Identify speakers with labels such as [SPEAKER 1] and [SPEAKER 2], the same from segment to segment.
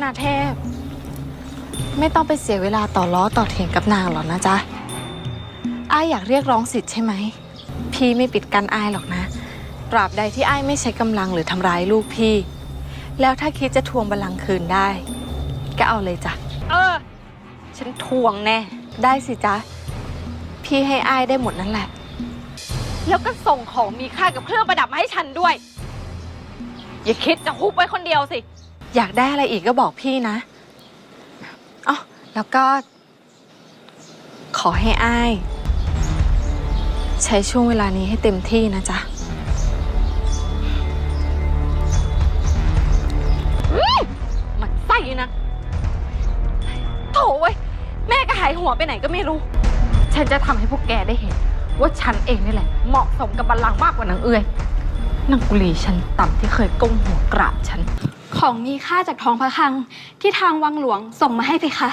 [SPEAKER 1] นาเทพไม่ต้องไปเสียเวลาต่อล้อต่อเถียงกับนางหรอกนะจ๊ะอ้ายอยากเรียกร้องสิทธิ์ใช่ไหมพี่ไม่ปิดกั้นอ้ายหรอกนะตราบใดที่อ้ายไม่ใช้กำลังหรือทำร้ายลูกพี่แล้วถ้าคิดจะทวงบัลลังก์คืนได้ก็เอาเลยจ้ะฉันทวงแน่ได้สิจ๊ะพี่ให้อ้ายได้หมดนั่นแหละแล้วก็ส่งของมีค่ากับเครื่องประดับมาให้ฉันด้วยอย่าคิดจะฮุบไว้คนเดียวสิอยากได้อะไรอีกก็บอกพี่นะอ๋อแล้วก็ขอให้อ้ายใช้ช่วงเวลานี้ให้เต็มที่นะจ๊ะมันไส้นะโถ่เว้ยแม่ก็หายหัวไปไหนก็ไม่รู้ฉันจะทำให้พวกแกได้เห็นว่าฉันเองนี่แหละเหมาะสมกับบัลลังก์มากกว่านางเอื้อยนางกุลีฉันต่ำที่เคยก้มหัวกราบฉัน
[SPEAKER 2] ของมีค่าจากท้องพระคลังที่ทางวังหลวงส่งมาให้เพคะ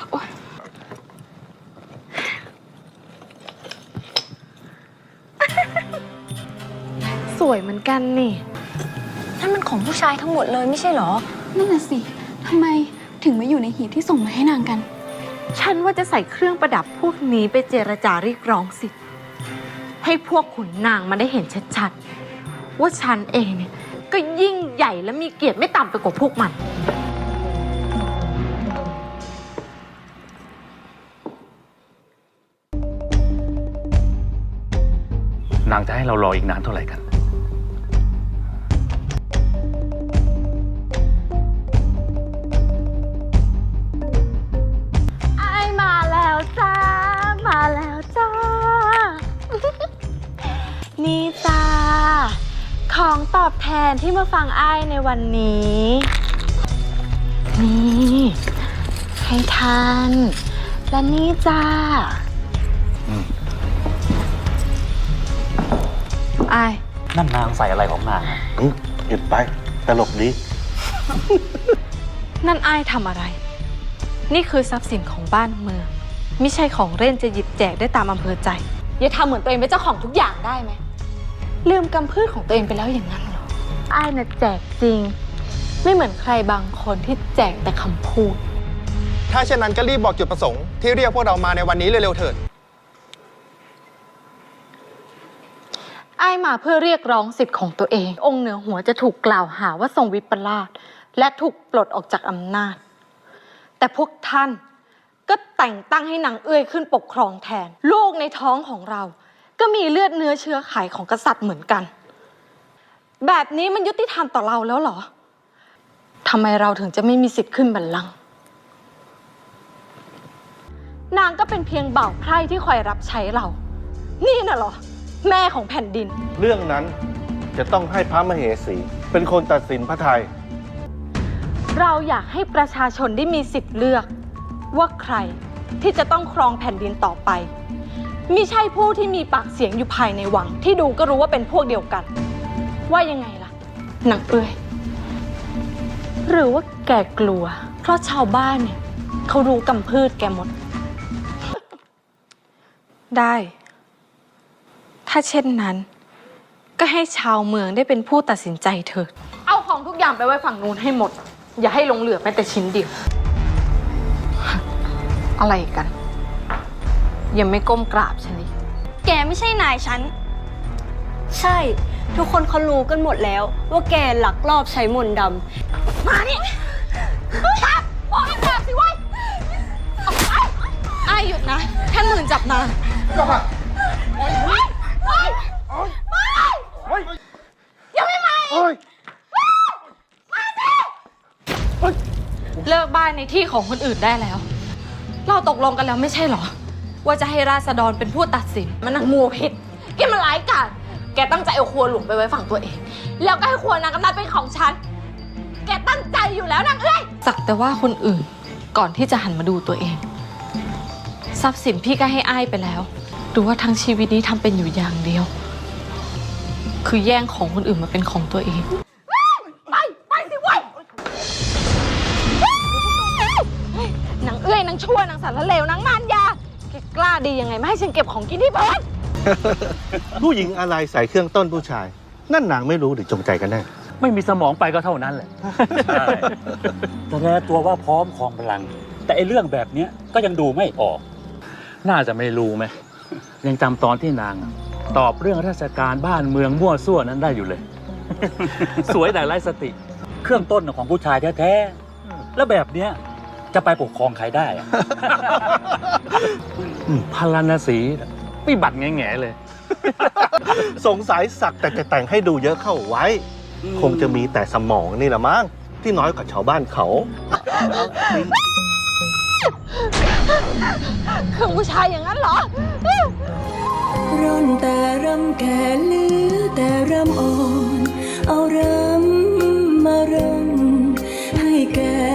[SPEAKER 1] สวยเหมือนกันนี่
[SPEAKER 3] นั่นมันของผู้ชายทั้งหมดเลยไม่ใช่หรอ
[SPEAKER 2] นั่นน่ะสิทำไมถึงมาอยู่ในหีบที่ส่งมาให้นางกัน
[SPEAKER 1] ฉันว่าจะใส่เครื่องประดับพวกนี้ไปเจรจาเรียกร้องสิทธิ์ให้พวกขุนนางมันได้เห็นชัดๆว่าฉันเองเนี่ยก็ยิ่งใหญ่และมีเกียรติไม่ต่ำไปกว่าพวกมัน
[SPEAKER 4] นางจะให้เรารออีกนานเท่าไหร่กัน
[SPEAKER 1] อ้ายมาแล้วจ้ามาแล้วจ้า นี่จ้าของตอบแทนที่มาฟังอ้ายในวันนี้นี่ให้ท่านและนี่จ้าอ้าย
[SPEAKER 4] นั่นนางใส่อะไรของนาง
[SPEAKER 5] หยุดไปตลกดี
[SPEAKER 1] นั่นอ้ายทำอะไรนี่คือทรัพย์สินของบ้านเมืองไม่ใช่ของเล่นจะหยิบแจกได้ตามอำเภอใจอย่าทำเหมือนตัวเองเป็นเจ้าของทุกอย่างได้ไหมลืมกำพืชของตัวเองไปแล้วอย่างนั้นเหรออ้ายน่ะแจกจริงไม่เหมือนใครบางคนที่แจกแต่คำพูด
[SPEAKER 6] ถ้าเช่นนั้นก็รีบบอกจุดประสงค์ที่เรียกพวกเรามาในวันนี้เร็วๆเถิด
[SPEAKER 1] อ้ายมาเพื่อเรียกร้องสิทธิ์ของตัวเององค์เหนือหัวจะถูกกล่าวหาว่าทรงวิปลาสและถูกปลดออกจากอำนาจแต่พวกท่านก็แต่งตั้งให้นางเอื้อยขึ้นปกครองแทนลูกในท้องของเราก็มีเลือดเนื้อเชื้อไขของกษัตริย์เหมือนกันแบบนี้มันยุติธรรมต่อเราแล้วเหรอทำไมเราถึงจะไม่มีสิทธิ์ขึ้นบัลลังก์นางก็เป็นเพียงบ่าวไพร่ที่คอยรับใช้เรานี่น่ะเหรอแม่ของแผ่นดิน
[SPEAKER 5] เรื่องนั้นจะต้องให้พระมเหสีเป็นคนตัดสินพระทัย
[SPEAKER 1] เราอยากให้ประชาชนได้มีสิทธิ์เลือกว่าใครที่จะต้องครองแผ่นดินต่อไปมิใช่ผู้ที่มีปากเสียงอยู่ภายในวังที่ดูก็รู้ว่าเป็นพวกเดียวกันว่ายังไงล่ะนางเอื้อยหรือว่าแกกลัวเพราะชาวบ้านเนี่ยเขารู้กำพืชแกหมด ได้ถ้าเช่นนั้นก็ให้ชาวเมืองได้เป็นผู้ตัดสินใจเถิดเอาของทุกอย่างไปไว้ฝั่งนู้นให้หมดอย่าให้หลงเหลือแม้แต่ชิ้นเดียวอะไรกันยังไม่ก้มกราบฉันดิ
[SPEAKER 2] แกไม่ใช่นายฉัน
[SPEAKER 3] ใช่ทุกคนเขารู้กันหมดแล้วว่าแกลักลอบใช้มนต์ด
[SPEAKER 1] ำมานี่จับบอกให้กราบสิเว้ยอ้ายหยุดนะท่านหมื่นจับนางยังไม่มาเลิกบ้านในที่ของคนอื่นได้แล้วเราตกลงกันแล้วไม่ใช่เหรอว่าจะให้ราษฎรเป็นผู้ตัดสินมันงูพิษแกมันร้ายกาจแกตั้งใจเอาครัวหลวงไปไว้ฝั่งตัวเองแล้วก็ให้ครัวนางกำนันเป็นของฉันแกตั้งใจอยู่แล้วนางเอ้ยสักแต่ว่าคนอื่นก่อนที่จะหันมาดูตัวเองทรัพย์สินพี่ก็ให้อ้ายไปแล้วดูว่าทั้งชีวิตนี้ทำเป็นอยู่อย่างเดียวคือแย่งของคนอื่นมาเป็นของตัวเองไปสิเว้ยนางเอ้ยนางชั่วนางสารเลวนางมารยาแกกล้าดียังไงไม่ให้ฉันเก็บของกินที่บ้าน
[SPEAKER 5] ผู้หญิงอะไรใส่เครื่องต้นผู้ชายนั่นนางไม่รู้หรือจงใจกันแน่
[SPEAKER 4] ไม่มีสมองไปก็เท่านั้นแหละ
[SPEAKER 7] ใช่แสดงตัวว่าพร้อมครองพลัง แต่ไอ้เรื่องแบบเนี้ยก็ยังดูไม่ออก
[SPEAKER 4] น่าจะไม่รู้ไหม ยังจำตอนที่นางตอบเรื่องราชการบ้านเมืองมั่วซั่วนั้นได้อยู่เลย สวยแต่ไร้สติ
[SPEAKER 7] เครื่องต้นของผู้ชายแท้ๆ แล้วแบบเนี้ยจะไปปกครองใครได้อะ
[SPEAKER 4] พาราณสีวิบัติแง่ๆเลย
[SPEAKER 5] สงสัยสักแต่จะแต่งให้ดูเยอะเข้าไว้ คงจะมีแต่สมองนี่แหละมั้งที่น้อยกว่าชาวบ้านเขา
[SPEAKER 1] คือผู้ชายอย่างนั้นเหรอ
[SPEAKER 8] ร่อนแต่รำแก่เหลือแต่รำอ่อน เอารำมารำให้แก่